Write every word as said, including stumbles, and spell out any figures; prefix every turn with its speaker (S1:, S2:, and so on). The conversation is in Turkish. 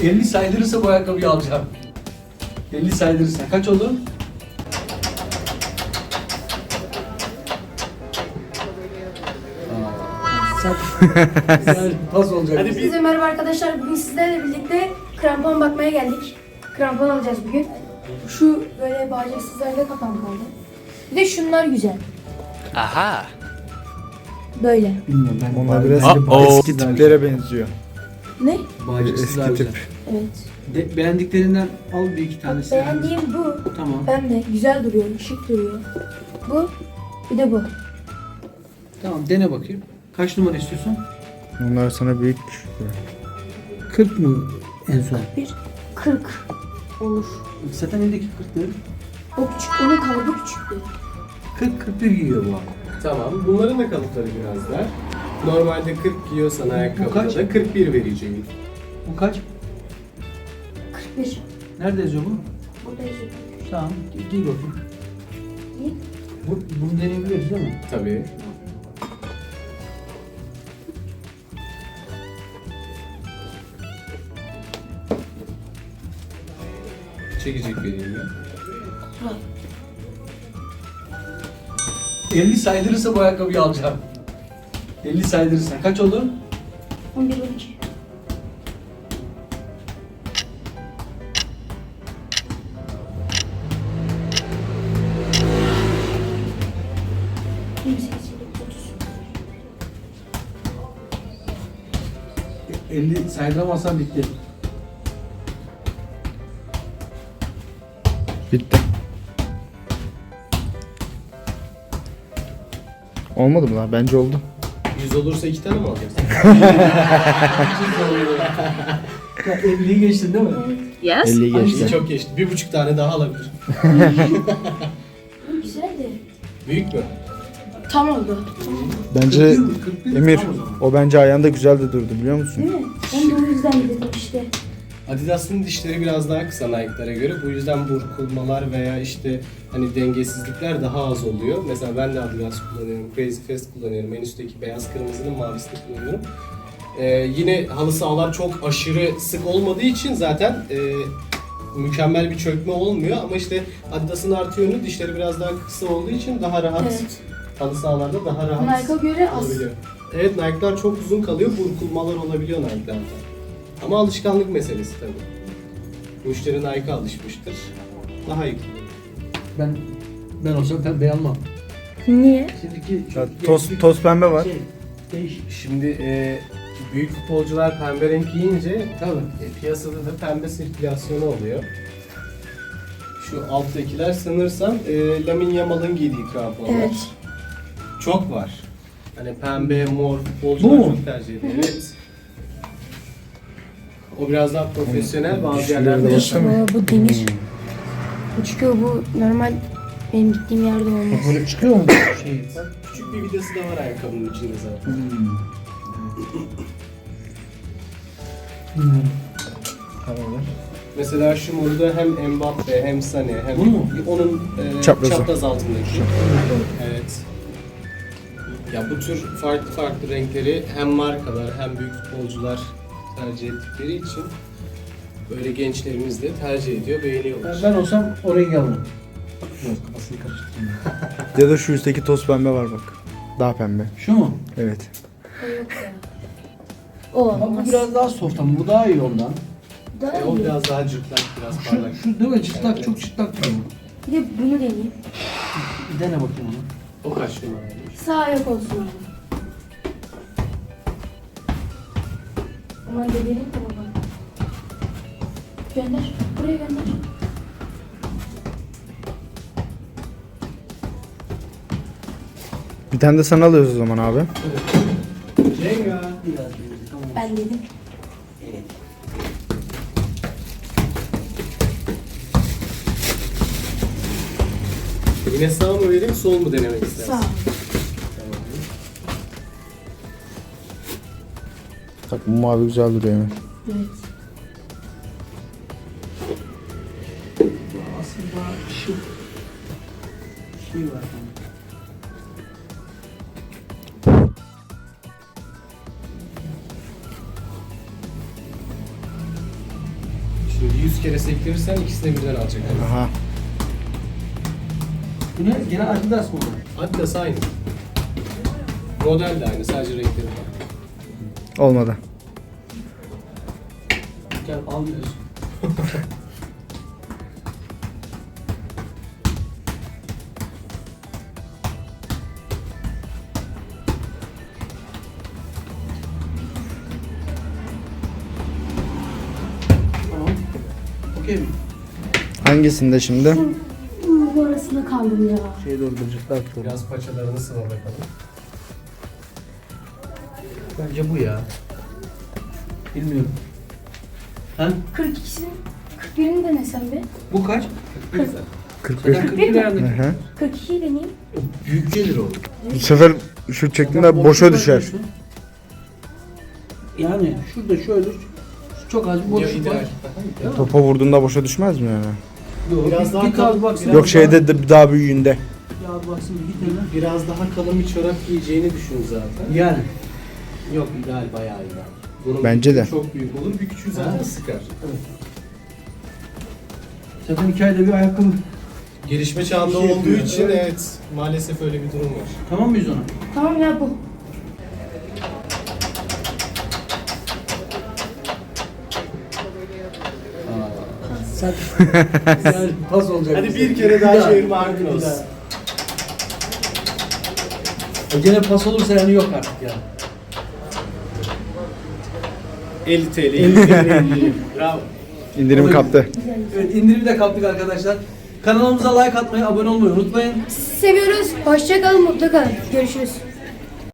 S1: elli saydırırsa bu ayakkabıyı alacağım. elli saydırırsa. Kaç oldu? Sen güzel pas olacak.
S2: Hadi Herkese merhaba arkadaşlar. Bugün sizlerle birlikte krampon bakmaya geldik. Krampon alacağız bugün. Şu böyle bacaksızlarda kapan kaldı. Bir de şunlar güzel.
S3: Aha.
S2: Böyle.
S1: Bilmiyorum ben.
S4: Onlar biraz
S3: Uh-oh.
S4: eski tiplere benziyor.
S2: Ne?
S1: Bağcıksız daha
S4: Eski
S1: güzel.
S4: tip.
S2: Evet.
S1: De, beğendiklerinden al bir iki tanesini.
S2: Beğendiğim bu.
S1: Tamam.
S2: Ben de güzel duruyor, şık duruyor. Bu. Bir de bu.
S1: Tamam dene bakayım. Kaç numara istiyorsun?
S4: Onlar sana büyük düşüyor.
S1: kırk mı en son?
S2: Bir kırk olur.
S1: Zaten eldeki kırk değil.
S2: O küçük, onun kalıbı küçüktü.
S1: kırk kırk bir giyiyor bu arada.
S5: Tamam. Bunların da kalıpları biraz dar. Normalde kırk giyiyorsan ayakkabıda
S1: kaç?
S5: da kırk bir vereceğim.
S1: Bu kaç?
S2: kırk bir.
S1: Nerede yazıyor bu?
S2: Burada yazıyor.
S1: Tamam gi- giy bakayım.
S2: İyi.
S1: Bu, bunu deneyebiliriz değil mi?
S5: Tabii. Çekecek vereyim ya.
S1: elli saydırırsa bu ayakkabıyı alacağım. elli saydırırsa. Kaç oldu?
S2: on bir on iki. yirmi sekiz, yirmi dokuz, otuz.
S1: elli saydıramazsan bitti.
S4: Bitti. Olmadı mı lan? Bence oldu.
S5: yüz olursa iki tane mi alacaksın?
S1: Ya elliyi geçtin değil mi?
S2: Evet.
S4: elliyi
S5: Hangisi
S4: geçti.
S5: çok geçti. Bir buçuk tane daha alabilir.
S2: Bu güzeldi.
S5: Büyük mü?
S2: Tam oldu.
S4: Bence
S1: kırk bir, kırk bir,
S4: Emir,
S1: tamam o zaman.
S4: o bence ayağında güzel de durdu biliyor musun?
S2: Değil mi? Ben de o yüzden dedim işte.
S5: Adidas'ın dişleri biraz daha kısa Nike'lara göre. Bu yüzden burkulmalar veya işte hani dengesizlikler daha az oluyor. Mesela ben de Adidas kullanıyorum, Crazy Fast kullanıyorum. En üstteki beyaz kırmızının mavisini kullanıyorum. Ee, yine halı sahalar çok aşırı sık olmadığı için zaten e, mükemmel bir çökme olmuyor. Ama işte Adidas'ın artı yönü dişleri biraz daha kısa olduğu için daha rahat
S2: Evet.
S5: halı sahalarda daha rahat
S2: Nike'a göre az.
S5: olabiliyor. Evet, Nike'lar çok uzun kalıyor, burkulmalar olabiliyor Nike'larda. Ama alışkanlık meselesi tabii. Müşteri Nike'a alışmıştır. Daha iyi kullanır.
S1: Ben ben olsam pembe almam.
S2: Niye?
S1: Şimdiki
S4: Ya, toz, toz pembe var.
S1: Şey, değiş.
S5: Şimdi e, büyük futbolcular pembe renk giyince
S1: Tabii.
S5: e, piyasada da pembe sirkülasyonu oluyor. Şu alttakiler sanırsam e, Lamine Yamal'ın giydiği kramponlar.
S2: Evet.
S5: Çok var. Hani pembe, mor
S1: Bu
S5: futbolcular
S1: mu?
S5: çok tercih ediyor. Evet. O biraz daha profesyonel, bazı
S4: Dişleri
S5: yerlerde
S4: de
S5: yaşamıyor.
S2: Aa, bu demir. Bu çıkıyor, bu normal benim gittiğim yerde olmaz.
S1: Böyle çıkıyor mu? Şey.
S5: Bak, küçük bir vidası da var ayakkabının içinde zaten.
S1: Hmm. Bilmiyorum. Karar ver.
S5: Mesela şu moru da hem Mbappe hem Sané hem
S1: Bunu mu?
S5: onun e,
S4: Çaprazı.
S5: çapraz altındaki. Evet. Ya bu tür farklı farklı renkleri hem markalar hem büyük futbolcular tercih ettikleri için böyle gençlerimiz de tercih ediyor,
S1: Ben,
S5: beğeniyorlar.
S1: ben olsam o rengi alırım. Yok kafasını karıştırayım.
S4: Ya da şu üstteki toz pembe var bak. Daha pembe.
S1: Şu mu?
S4: Evet.
S2: O yok ya. O
S1: Bak bu
S2: olmaz.
S1: biraz daha soft ama bu daha iyi ondan.
S2: Daha
S5: E, o
S2: iyi.
S5: biraz daha cırtlak, biraz
S1: Şu,
S5: parlak.
S1: şu değil mi? Çıtlak
S5: Evet.
S1: çok çıtlak duruyor.
S2: Bir de bunu deneyeyim.
S1: Bir dene bakayım onu.
S5: O kaç numaraymış?
S2: Sağ ayak olsun abi. Aman deneyelim de baba. Gönder. Buraya gönder.
S4: Bir tane de sana alıyoruz o zaman abi.
S5: Cenga.
S1: Biraz bir tamam.
S2: Ben dedim.
S5: Yine sağ mı vereyim, sol mu denemek istersin?
S2: Sağ.
S4: Bak bu mavi güzel duruyor Emir.
S2: Evet.
S1: Aslında şu şey var.
S5: Böyle yüz kere sektirirsen ikisini birden alacak.
S4: Aha.
S1: Bu ne? Gene Adidas mı?
S5: Adidas aynı. Model de aynı, sadece renkleri farklı.
S4: Olmadı.
S1: Gel almıyorsun. Tamam. Okey mi?
S4: Hangisinde şimdi?
S2: Bu arasında kaldım ya.
S4: Şey dolduracaklar.
S5: Biraz paçalarını sıva bakalım.
S1: Bence bu ya. Bilmiyorum. Ha?
S2: kırk ikisinin kırk birini denesem be.
S1: Bu kaç?
S2: kırk.
S4: kırk beş.
S1: Zaten kırk bir ayarındaki.
S4: Hı hı.
S2: kırk ikiyi deneyeyim.
S1: Büyük gelir o.
S4: Bu sefer şu çektiğinde boşa düşer.
S1: Yani şurada şöyle çok az bir
S5: Ya
S1: boşluk var.
S5: ideal.
S4: Topa vurduğunda boşa düşmez mi yani?
S1: Yok,
S5: Biraz
S1: bir,
S5: daha
S1: bir
S5: kal-
S1: kal baksın.
S4: Yok şeyde de daha büyüğünde.
S1: Ya baksın bir tane.
S5: Biraz daha kalın bir çorap giyeceğini düşün zaten.
S1: Yani.
S5: Yok, ideal, bayağı ideal. Bunun
S4: Bence
S5: bir
S4: de.
S5: küçüğü çok büyük olur, bir küçüğü zaten
S1: Ha.
S5: sıkar.
S1: Zaten iki ayda bir ayakkabı.
S5: Gelişme çağında
S1: Bir şey
S5: olduğu
S1: yapıyor.
S5: için evet, maalesef öyle bir durum var.
S1: Tamam mıyız ona?
S2: Tamam ya bu.
S1: Sen yani pas olacak.
S5: Hadi
S1: bize.
S5: bir kere daha
S1: daha,
S5: çevirme hakkın
S1: bir
S5: olsun.
S1: daha. E gene pas olursa yani yok artık ya.
S5: elli TL. elli TL. Bravo.
S4: İndirim kaptı.
S1: Evet, indirimi de kaptık arkadaşlar. Kanalımıza like atmayı, abone olmayı unutmayın.
S2: Sizi seviyoruz. Hoşça kalın, mutlu kalın. Görüşürüz.